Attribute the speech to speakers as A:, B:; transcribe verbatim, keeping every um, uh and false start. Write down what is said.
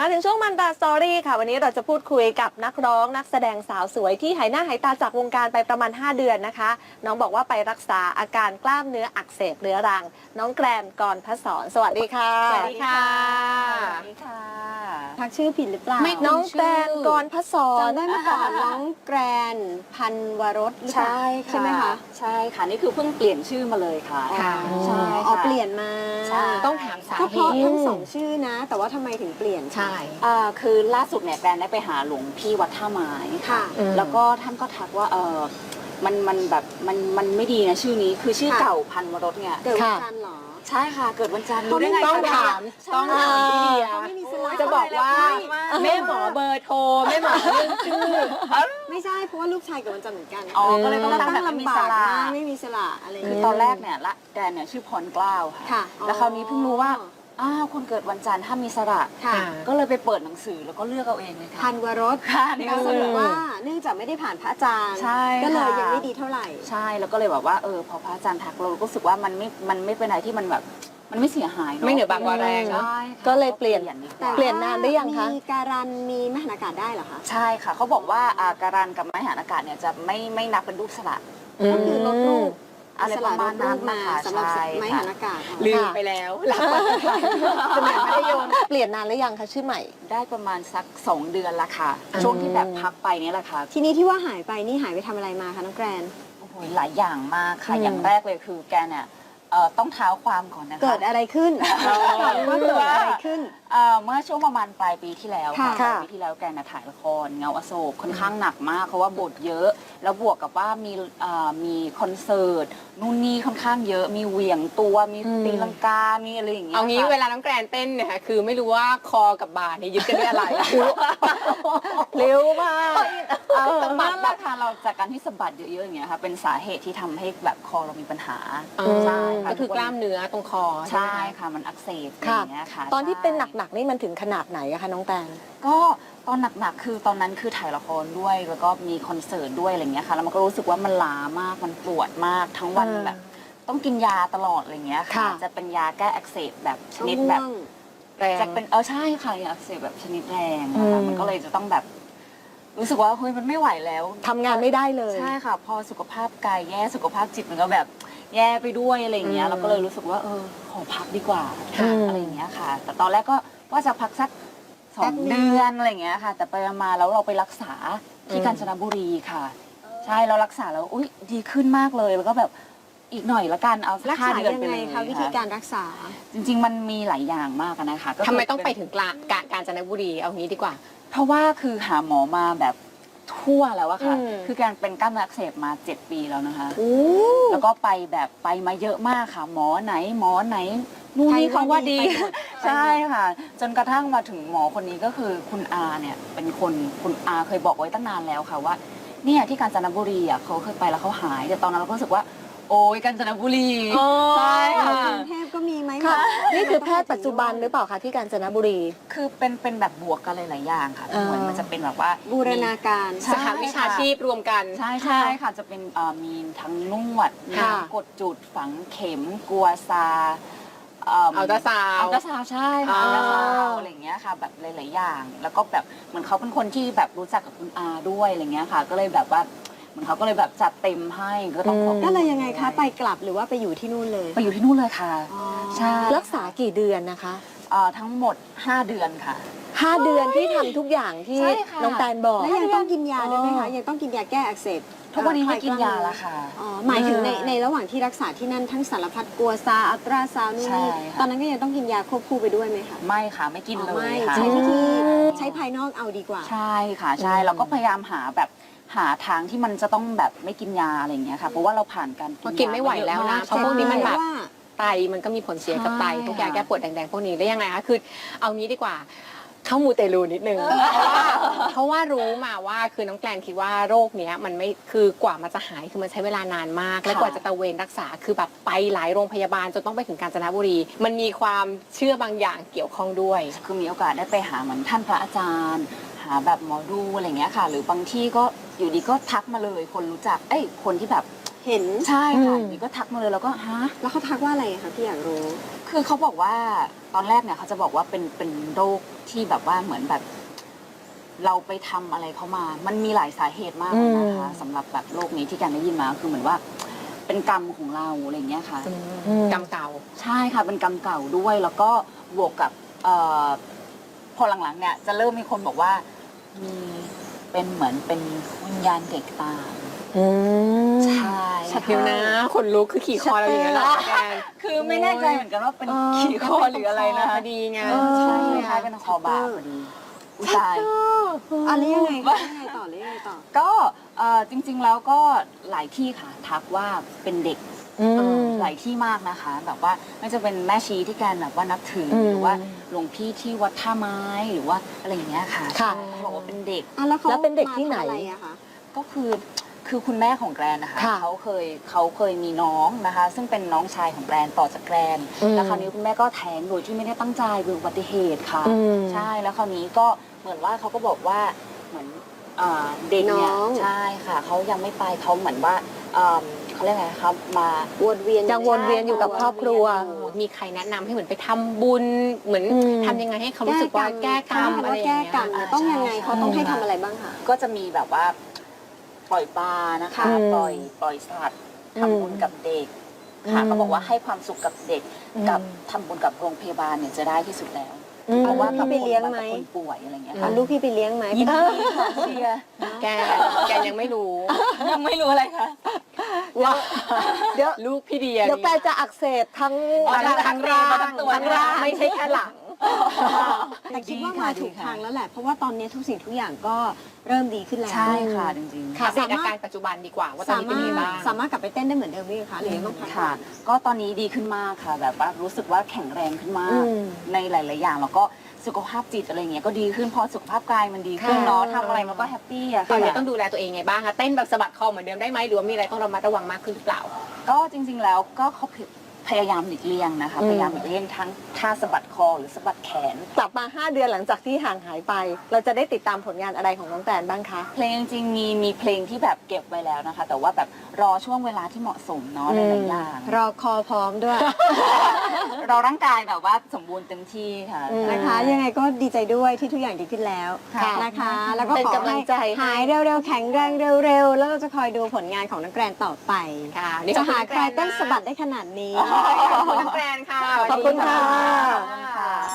A: ถึงช่วงมันตาสตอรี่ค่ะวันนี้เราจะพูดคุยกับนักร้องนักแสดงสาวสวยที่หายหน้าหายตาจากวงการไปประมาณห้าเดือนนะคะน้องบอกว่าไปรักษาอาการกล้ามเนื้ออักเสบเรื้อรังน้องแกรนกรพศรสวัสดีค่ะ
B: สวัสดีค่ะ
C: สวัสดีค่ะ
B: ทักชื่อผิดหรือเปล่า
A: ไม่น้องแกรนกรพศร
B: จำได้เมื่อก่อนน้องแกรนพันวรสหรือเปล่า
C: ใช่ค่ะ
B: ใช่ไหมคะ
C: ใช่ค่ะนี่คือเพิ่งเปลี่ยนชื่อมาเลยค่ะ
B: ค่ะ
C: ใช่
B: อ๋อ
C: ค่ะ
B: เปลี่ยนมา
C: ใช่
A: ต้องถามสา
B: ก็
A: เห
B: เพราะ
A: ตุ
B: ทั้งสองชื่อนะ แต่ว่าทำไมถึงเปลี่ยน
A: ใช่
C: อ่าคือล่าสุดเนี่ยแกรนได้ไปหาหลวงพี่วัดท่าไม้
B: ค่ะ
A: อืม
C: แล้วก็ท่านก็ทักว่าเออมันมันแบบมันมันไม่ดีนะชื่อนี้คือชื่อ
B: ค่ะ
C: เก่าพันวรสเนี่ย
B: เกิดวันจันทร์เหรอ
C: ใช่ค่ะเกิดวันจันทร์
B: เขาไม่
C: รู้ได้ไง
A: ต้อง
C: คะ
A: ถาม
C: ใช่
A: ต้องถามพี่เดีย
B: เขาไม่มีสไลด์
A: จะบอกว่า
C: ไม่
A: แม่หมอเบอร์โทรแม่หมอเรื่องชื่อ
B: ไม่ใช่เพราะว่าลูกชายเกิดวันจันทร์เหมือนกัน
C: อ๋อก็เลยต้อง
B: แล้ว
C: ตั้ง
B: ตั้ง
C: แบบไม่มี
B: ลำบา
C: ส
B: ก
C: ระ
B: มากไม่มีสระอะไรอย่าง
C: คือ
B: เงี้ย
C: ตอนแรกเนี่ยละแกรนเนี่ยชื่อพรเกล้าค่ะ
B: ค่ะ
C: แล้วคราวนี้เพิ่งรู้ว่าอ้าวคนเกิดวันจันทร์ถ้ามีสระ
B: ค่ะ
C: ก็เลยไปเปิดหนังสือแล้วก็เลือกเอาเองเลยค่ะ
B: พันวรส
C: ค่ะนี่ก็
B: ส
C: คือ
B: รุปว่าเนื่องจากไม่ได้ผ่านพระอาจารย์
C: ใช่
B: ก็เลย
C: ค่ะ
B: ยังไม่ดีเท่าไหร่
C: ใช่แล้วก็เลยแบบว่าเออพอพระอาจารย์ทักเราก็รู้สึกว่ามันไม่มันไม่เป็นอะไรที่มันแบบมันไม่เสียหายเนาะ
A: ไม่เหนือบากกว่าแรงเนอะ
C: ใช่ค่ะ
A: ก็เลยเปลี่ยน
C: ดีก
B: แต่
C: ว่า
A: เปลี่ยนนานหรือยังคะ
B: มีการันมีมหานากาศได้เหรอคะ
C: ใช่ค่ะเขาบอกว่าอ่าการันกับไม้หานอากาศเนี่ยจะไม่ไม่นับเป็นรูปสระ
B: ก็คือลดรูป
C: อะไรประมาณนั้น
B: มา
C: นะคะ
B: สำหรับ
C: ใช่
B: ไม้
C: ค่ะ
B: หันอากาศ
A: ลืมไปแล้วหลับสมัยมัธยมเปลี่ยนนานหรือยังคะชื่อใหม่
C: ได้ประมาณสักสองเดือนละค่ะ
A: อืม
C: ช่วงที่แบบพักไปเนี่ยแหละค่ะ
B: ทีนี้ที่ว่าหายไปนี่หายไปทำอะไรมาคะน้องแกรน
C: โอ้โหหลายอย่างมากค่ะ
A: อืม
C: อย่างแรกเลยคือแกเนี่ยเอ่อต้องเท้าความก่อนนะคะ
B: เกิดอะไรขึ้นว่าเกิดอะไรขึ้น
C: เอ่อเมื่อช่วงประมาณปลายปีที่แล้วค่ะ
B: ค่ะ
C: ปลายปีที่แล้วแกน่ะถ่ายละครเงาอโศกค่อนข้างหนักมากเพราะว่าบทเยอะ แล้วบวกกับว่ามีเอ่อมีคอนเสิร์ตนู่นนี่ค่อนข้างเยอะ มีเหวี่ยงตัวมี
A: อืม
C: ตีลังกา มีอะไรอย่างเงี้ย
A: เอางี้
C: ค่ะ
A: เวลาน้องแกรนเต้นเนี่ยค่ะคือไม่รู้ว่าคอกับบ่าเนี่ยยึดกันด้วยอะไรเร็วมาก
C: เออนั่นแหละค่ะเราจากการที่สะบัดเยอะๆอย่างเงี้ยค่ะเป็นสาเหตุที่ทำให้แบบคอเรามีปัญหา ใช่ค่ะ
A: ก็คือกล้ามเนื้อตรงคอ
C: ใช่
A: ไหมคะ
C: ค่ะมันอักเสบอะไร
A: ค่ะ
C: อย่างเงี้ยค่ะ
A: ตอนที่เป็น
C: ใช่
A: หนักๆนี่มันถึงขนาดไหนอะคะน้องแตน
C: ก็ตอนหนักๆคือตอนนั้นคือถ่ายละครด้วยแล้วก็มีคอนเสิร์ตด้วยอะไรอย่างเงี้ยค่ะแล้วมันก็รู้สึกว่ามันล้ามากมันปวดมากทั้งวัน
A: อ่า
C: แบบ ต้องกินยาตลอดอะไรอย่างเงี้ยค่ะ
A: ค่ะ
C: จะเป็นยาแก้อักเสบแบบชนิด
B: ง่
C: แบ
B: ว
C: บ
B: ง
A: แรง
C: จะเป็นเออใช่ค่ะยาอักเสบแบบชนิดแรงนะคะ
A: อืม
C: มันก็เลยจะต้องแบบรู้สึกว่าเฮ้ยมันไม่ไหวแล้ว
A: ทำงานไม่ได้เลย
C: ใช่ค่ะ พอสุขภาพกายแย่สุขภาพจิตมันก็แบบแย่ไปด้วยอะไรอย่างเงี้
A: อื
C: ย
A: ม
C: เราก็เลยรู้สึกว่าเออขอพักดีกว่า
A: ค่ะ
C: อะไรอย่างเงี้ยค่ะ แต่ตอนแรกก็ว่าจะพักสักสอ
B: แป๊
C: ง
B: บนึง
C: เดือนอะไรอย่างเงี้ยค่ะ แต่ไปมาแล้วเราไปรักษาที่
A: อืม
C: กาญจนบุรีค่ะ ใช่เรารักษาแล้วอุ้ยดีขึ้นมากเลยแล้วก็แบบอีกหน่อยละกันเอาสั
B: รั
C: ก
B: ก
C: ห้า
B: ษา
C: เดือน
B: ยัง
C: ไป
B: ไง
C: เลย
B: คะวิธีการรักษา
C: จริง ๆ มันมีหลายอย่างมากอะนะคะก็คือ
A: ทำไมต้องไปถึงกลางกาญกาญจนบุรีเอางี้ดีกว่า
C: เพราะว่าคือหาหมอมาแบบทั่วแล้วอะค่ะ
A: อืม
C: คือการเป็นกล้ามเนื้ออักเสบมาเจ็ดปีแล้วนะคะ
B: โอ้
C: แล้วก็ไปแบบไปมาเยอะมากค่ะ หมอไหนหมอไหนนู่นนี่
B: ใคร
C: เขา
B: ว่า
C: ว่า
B: ดี
C: ดี
B: ไปหมด
C: ใช่ค่ะ จนกระทั่งมาถึงหมอคนนี้ก็คือคุณอาเนี่ยเป็นคนคุณอาเคยบอกไว้ตั้งนานแล้วค่ะว่าเนี่ยที่กาญจนบุรีอ่ะเขาเคยไปแล้วเขาหายแต่ตอนนั้นเราก็รู้สึกว่า โอ้ยกาญจนบุรี
A: อ๋อ
C: ใช่
B: ก
C: ค่ะ
B: รุงเทพก็มีไหม
A: ค่ะ
B: หมอ
A: นี่คือแพทย์ปัจจุบันหรือเปล่าคะที่กาญจนบุรี
C: คือเป็นเป็นแบบบวกกันหลายๆอย่างค่ะ
A: อ่า
C: เหมือนมันจะเป็นแบบว่า
B: บูรณาการ
C: ใช่
A: สาขาวิชาชีพรวมกัน
C: ใช่ใช่ค่ะจะเป็นเอ่อมีทั้งนวดมี
A: ค่ะ
C: ทั้งกดจุดฝังเข็มกัวซาเอิ่ม
A: อัลตราซาวด์
C: อัลตราซาวด์ใช่ค่ะ
A: อ๋อ
C: อัลตราซาวด์อะไรอย่างเงี้ยค่ะแบบหลายๆอย่าง แล้วก็แบบเหมือนเขาเป็นคนที่แบบรู้จักกับคุณอาด้วยอะไรเงี้ยค่ะ ก็เลยแบบว่าเหมือนเขาก็เลยแบบจัดเต็มให้ก็ต้องขอบคุณ
B: ก็เลยยังไงคะไปกลับหรือว่าไปอยู่ที่นู่นเลย
C: ไปอยู่ที่นู่นเลยค่ะ
B: อ๋อ
C: ใช่
A: รักษากี่เดือนนะคะ
C: เอ่อทั้งหมดห้าเดือนค่ะ
A: ห้าเดือนที่ทำทุกอย่างที่
C: ใช่ค่ะ
A: น้องแตนบอก
B: แล้วยังต้องกินยาด้วยไหม
A: อ๋
B: คะ
A: อ
B: ยังต้องกินยาแก้อักเสบ
C: ทุกวันนี้ไม่กินยาแล้วค่ะ
B: อ๋อหมายถึงใน
A: อ่า
B: ในระหว่างที่รักษาที่นั่นทั้งสารพัดกัวซาอัลตราซาวน์นู่นนี่
C: ใช่ค่ะ
B: ตอนนั้นก็ยังต้องกินยาควบคู่ไปด้วยไหมคะ
C: ไม่ค่ะไม่กิน
B: อ๋อ
C: เล
B: ไม่
C: ยค่ะ
B: ใช้วิธีใช้ภายนอกเอาดีกว่า
C: ใช่ค่ะใช่
A: อืม
C: เราก็พยายามหาแบบหาทางที่มันจะต้องแบบไม่กินยาอะไรอย่างเงี้ยค่ะเพราะว่าเราผ่านการ
A: เพราะกินไม่ไหวแล้วนะ เพราะพวกนี้มันแบบ
B: ว่า
A: ไตมันก็มีผลเสียกับไต
C: ใช่
A: พวกยาแก้ปวดแดงๆพวกนี้ได้ยังไงคะคือเอางี้ดีกว่า เข้ามูเตลูนิดนึงเพราะว่าเพราะว่ารู้มาว่าคือน้องแกลนคิดว่าโรคเนี้ยมันไม่คือกว่ามันจะหายคือมันใช้เวลานานมาก และกว่าจะตระเวนรักษาคือแบบไปหลายโรงพยาบาลจนต้องไปถึงกาญจนบุรี มันมีความเชื่อบางอย่างเกี่ยวข้องด้วย
C: คือมีโอกาสได้ไปหาเหมือนท่านพระอาจารย์ หาแบบหมอดูอะไรอย่างเงี้ยค่ะ หรือบางที่ก็อยู่ดีก็ทักมาเลย คนรู้จักเอ้ยคนที่แบบ
B: เห็น
C: ใช่ค่ะ
A: อืม
C: อยู่ดีก็ทักมาเลยแล้วก็ฮะ
B: แล้วเขาทักว่าอะไรคะพี่อยากรู้
C: คือเขาบอกว่าตอนแรกเนี่ยเขาจะบอกว่าเป็นเป็นโรคที่แบบว่าเหมือนแบบ เราไปทำอะไรเขามา มันมีหลายสาเหตุมากเลยนะคะสำหรับแบบโรคนี้ที่การได้ยินมาคือเหมือนว่าเป็นกรรมของเราอะไรอย่างเงี้ยค่ะ
A: กรรมเก่า
C: ใช่ค่ะเป็นกรรมเก่าด้วย แล้วก็บวกกับเอ่อพอหลังๆเนี่ยจะเริ่มมีคนบอกว่ามีเป็นเหมือนเป็นวิญญาณเด็กตาม
A: อืม
C: ใช่
A: ชัดเดียวนะคนลุกคือขี่คอเราอย่างนี้ยเหรอแกน
C: คือไม่แน่ใจเหมือนกันว่าเป็น
B: เออ
C: ขี่คอหรืออะไรนะ
A: พอดีไง
C: เออใช่คล้ายๆเป็นคอบาพอดีอุยตาย
B: อันนี้ยังไงคะยังไงต่อหรือยังไงต่อ
C: ก็เอ่อจริงๆแล้วก็หลายที่ค่ะทักว่าเป็นเด็ก
A: อืม
C: หลายที่มากนะคะ แบบว่าไม่จะเป็นแม่ชีที่การแบบว่านับถืออ
A: ม
C: หรือว่าหลวงพี่ที่วัดท่าไม้หรือว่าอะไรอย่างเงี้ยค่ะ
A: ค่ะ
C: เขาบอกว่าเป็นเด็ก
B: อ่ะแล้วเขา
D: แล้วเป็นเด็กที่ไหน
B: มาทำอะไรอะคะ
C: ก็คือคือคุณแม่ของแกรนนะคะ
D: ค่ะ
C: เขาเคยเขาเคยมีน้องนะคะ ซึ่งเป็นน้องชายของแกรนต่อจากแกรน
A: อืม
C: แล้วคราวนี้คุณแม่ก็แท้งโดยที่ไม่ได้ตั้งใจเป็นอุบัติเหตุค่ะ
A: อืม
C: ใช่แล้วคราวนี้ก็เหมือนว่าเขาก็บอกว่าเหมือนอ่าเด็กเนี่ย
B: น้อง
C: ใช่ค่ะเขายังไม่ไปเขาเหมือนว่าอ่าเขาเรียกไงครับมา
B: วนเวียน
D: ยังวนเวียนอยู่กับครอบครัว
A: มีใครแนะนำให้เหมือนไปทำบุญเหมือน
D: อืม
A: ทำยังไงให้เขารู้สึกว่าแก้กรรม
B: เขา
A: อะไร
B: ว่า
A: อย่า
B: แก้
A: งเงี้ย
B: กรรมเนี่ยต้องยังไงเขาต้องให้ทำอะไรบ้างคะ
C: ก็จะมีแบบว่าปล่อยปลานะคะ
D: อืม
C: ปล่อยปล่อยสัตว์
D: อืม
C: ทำบุญกับเด็กค่ะ
D: อืม
C: เขาบอกว่าให้ความสุขกับเด็ก
D: อืม
C: กับทำบุญกับโรงพยาบาลเนี่ยจะได้ที่สุดแล้ว
D: อืม
C: เพราะว่า
B: พี่ไปเลี้ยงไหม
C: กับคนป่วยอะไรเงี้ย
B: เอา
C: ค่ะ
B: ลูกพี่ไปเลี้ยงไหม
C: ยินดีค่ะเชียร์
A: แกแกยังไม่รู้
C: ยังไม่รู้อะไรคะ
A: ว่า
D: เดี๋ยว
A: ลูกพี่เดีย
D: เดี๋ยวแปลจะอักเสบทั้ง
C: อ๋อ
A: ทั้ง
C: ทั้
A: ทั้
C: ง
A: งร่าง
C: ทั้งตัว
A: ทั้งร่างไม่ใช่แค่หลัง
B: แต่คิดว่ามาถูกทางแล้วแหละ เพราะว่าตอนนี้ทุกสิ่งทุกอย่างก็เริ่มดีขึ้นแล้ว
C: ใช่ค่ะจริงๆ
A: ค่ะเดตอาการปัจจุบันดีกว่าว่าตอน
B: สา
A: นี้เป็น
B: มาร
A: ยัง
B: ถ
A: ไงบ้าง
B: สามารถกลับไปเต้นได้เหมือนเดิมไหมคะหรือยังต้องพัก
C: ค่ะ ก็ตอนนี้ดีขึ้นมากค่ะ แบบว่ารู้สึกว่าแข็งแรงขึ้นมาก
D: อืม
C: ในหลาย ๆ อย่างแล้วก็สุขภาพจิตอะไรเงี้ยก็ดีขึ้นพอสุขภาพกายมันดีขึ้น
D: ค่ะ
C: เนาะทำอะไรมันก็แฮปปี้อะ
A: ตอนนี้
C: ค่ะ
A: ต้องดูแลตัวเองไงบ้างคะเต้นแบบสะบัดคอเหมือนเดิมได้ไหมหรือว่ามีอะไรต้องระมัดระวังมากขึ้นหรือเปล่า
C: ก็จริง ๆ แล้วก็เขาพยายามหลีกเลี่ยงนะคะ
D: อืม
C: พยายามหลีกเลี่ยงทั้งท่าสะบัดคอหรือสะบัดแขน
D: กลับมา ห้า เดือนหลังจากที่ห่างหายไป เราจะได้ติดตามผลงานอะไรของน้องแตนบ้างคะ
C: เพลงจริงๆมีมีเพลงที่แบบเก็บไว้แล้วนะคะ แต่ว่าแบบรอช่วงเวลาที่เหมาะสมเนาะ
D: อื
C: ห
D: ม
C: ลายๆอย่าง
B: รอคอพร้อมด้วย
C: เราร่างกายแบบว่าสมบูรณ์เต็มที่ค่ะ
D: อืม
B: นะคะ ยังไงก็ดีใจด้วยที่ทุกอย่างดีขึ้นแล้ว
D: ค่ะ
B: นะคะ แล้วก็
D: เป็น
B: ขอก
D: ำลังใจ
B: ให้หายเร็วๆ แข็งแรงเร็วๆ แล้วเราจะคอยดูผลงานของนักแกรนต่อไป
A: ค่ะนี่
B: จะ
A: ขอบคุณ
B: หา
A: นัก
B: ใคร
A: แกรนนะ
B: เต้นสะบัดได้ขนาดนี้
A: ขอบคุณน้องแกรนค่ะ
D: ขอบคุณค่ะ
A: สวัสดีค่ะ